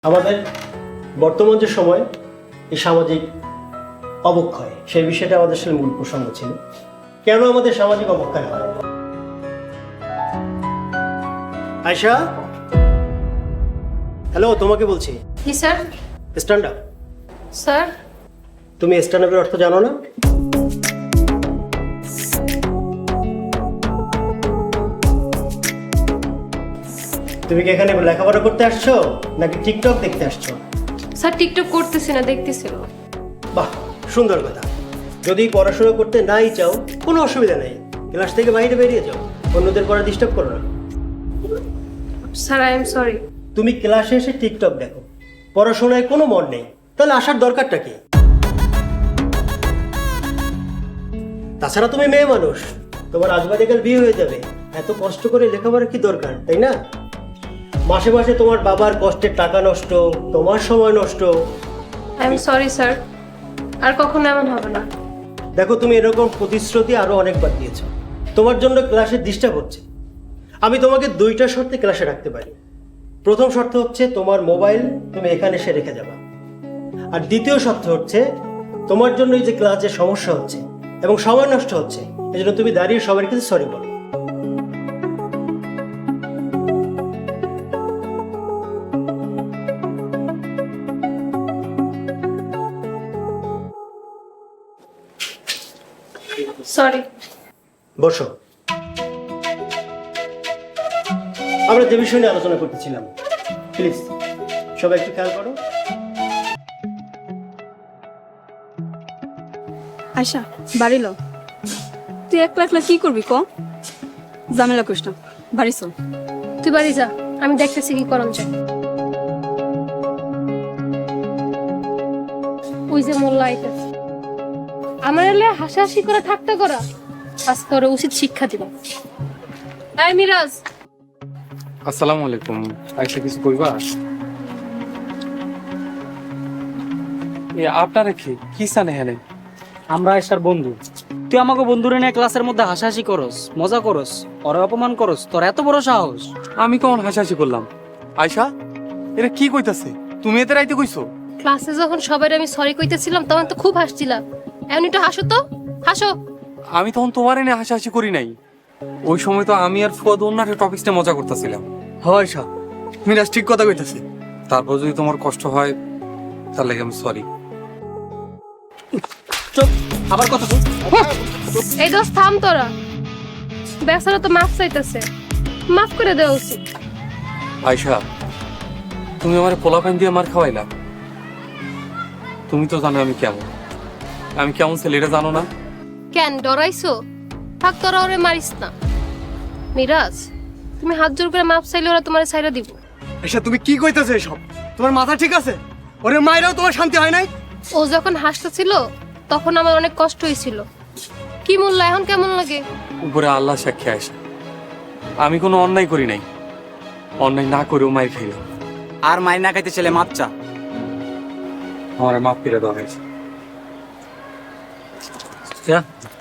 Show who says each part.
Speaker 1: আমাদের বর্তমান যে সময় এই সামাজিক অবক্ষয় সেই বিষয়টা আমাদের আসলে মূল প্রসঙ্গ ছিল। কেন আমাদের সামাজিক অবক্ষয় হয়? আয়শা, হ্যালো, তোমাকে বলছি।
Speaker 2: জি স্যার।
Speaker 1: Stand up.
Speaker 2: স্যার,
Speaker 1: তুমি স্ট্যান্ড আপের অর্থ জানো না? তুমি কি এখানে লেখাপড়া করতে আসছো নাকি টিকটক দেখতে আসছো?
Speaker 2: স্যার টিকটক করতেছি না, দেখতেছিল।
Speaker 1: বাহ, সুন্দর কথা। যদি পড়াশোনা করতে নাই চাও কোনো অসুবিধা নেই, ক্লাস থেকে বাইরে বেরিয়ে যাও, অন্যদের পড়া ডিস্টার্ব করো না।
Speaker 2: Sir I am sorry.
Speaker 1: তুমি ক্লাসে এসে টিকটক দেখো, পড়াশোনায় কোনো মন নেই, তাহলে আসার দরকারটা কি? তাছাড়া তুমি মেয়ে মানুষ, তোমার আজবাদিকাল বিয়ে হয়ে যাবে, এত কষ্ট করে লেখাপড়া কি দরকার, তাই না? মাসে মাসে তোমার বাবার কষ্টের টাকা নষ্ট, তোমার সময় নষ্ট।
Speaker 2: আই এম সরি স্যার, আর কখনো এমন হবে না।
Speaker 1: দেখো, তুমি এরকম প্রতিশ্রুতি আরো অনেকবার দিয়েছো, তোমার জন্য ক্লাসে ডিস্টার্ব হচ্ছে। আমি তোমাকে দুইটা শর্তে ক্লাসে রাখতে পারি। প্রথম শর্ত হচ্ছে তোমার মোবাইল তুমি এখানে এসে রেখে যাবা, আর দ্বিতীয় শর্ত হচ্ছে তোমার জন্য এই যে ক্লাসে সমস্যা হচ্ছে এবং সময় নষ্ট হচ্ছে, এজন্য তুমি দাঁড়িয়ে সবার কাছে সরি বলো।
Speaker 2: সরি।
Speaker 1: বসো। আমরা যে বিষয় নিয়ে আলোচনা করতেছিলাম, প্লিজ সবাই একটু খেয়াল করো।
Speaker 3: আয়শা, বাড়ি লো। তুই একলা একলা কি করবি ক? ঝামেলা করিস না, বাড়ি চল।
Speaker 2: তুই বাড়ি যা, আমি দেখতেছি কি করণ যায়। ওই যে মোল্লা আইতাছে, আমার এলে হাসাহাসি করে ঠাট্টা করা, আজকে ওরা উচিত শিক্ষা দিব। তাই মিরাজ,
Speaker 4: আসসালামু আলাইকুম। আইসা কিছু কইবা? আপনারা কি জানে হেনে?
Speaker 5: আমরা আয়সার বন্ধু। তুই আমাকে বন্ধুরে নিয়ে ক্লাসের মধ্যে হাসাহাসি করস, মজা করস, ওরে অপমান করস, তোর এত বড় সাহস?
Speaker 4: আমি কখন হাসাহাসি করলাম? আয়শা, এটা কি কইতাছে? তুমি এতে রাইতে কইছো?
Speaker 2: ক্লাসে যখন সবাই আমি সরি কইতেছিলাম তখন তো খুব হাসছিলাম। এখন একটু হাসো তো, হাসো।
Speaker 4: আমি তখন তোমার এনে হাসাহাসি করি নাই। ওই সময় তো আমি আর ফুয়াদ অন্য একটা টপিকসটা মজা করতেছিলাম।
Speaker 6: হয় আয়শা, মিরাজ ঠিক কথা কইতাছে।
Speaker 4: তারপর যদি তোমার কষ্ট হয় তাহলে আমি সরি।
Speaker 5: চুপ, আবার কথা বল।
Speaker 2: এই দোস্ত থাম তোরা, বেচারা তো মাফ চাইতেছে, মাফ করে দেওয়া উচিত।
Speaker 4: আয়শা, তুমি আমার পোলাপান দিয়ে মার খাওয়াইলা। তুমি তো জানো আমি কেমন ছেলে, এটা জানো না?
Speaker 2: কেন ডরাইছো? থাক, তোরা ওরে মারিস না। মিরাজ, তুমি হাত জোর করে মাপ চাইলে ওরা তোমার ছাইরা দিব।
Speaker 6: আয়শা, তুমি কি কইতাছো এসব? তোমার মাথা ঠিক আছে? ওরে মাইরাও তোমার শান্তি হয় নাই?
Speaker 2: ও যখন হাসতেছিল তখন আমার অনেক কষ্ট হয়েছিল। কি মূল্য এখন কেমন লাগে?
Speaker 4: উপরে আল্লাহ সাক্ষী আয়শা, আমি কোনো অন্যায় করি নাই। অন্যায় না করেও মায়ের খাইলাম।
Speaker 5: আর মাইর না খাইতে ছেলে মাপ চা।
Speaker 4: আমার মাফ করে দেওয়া হয়েছে।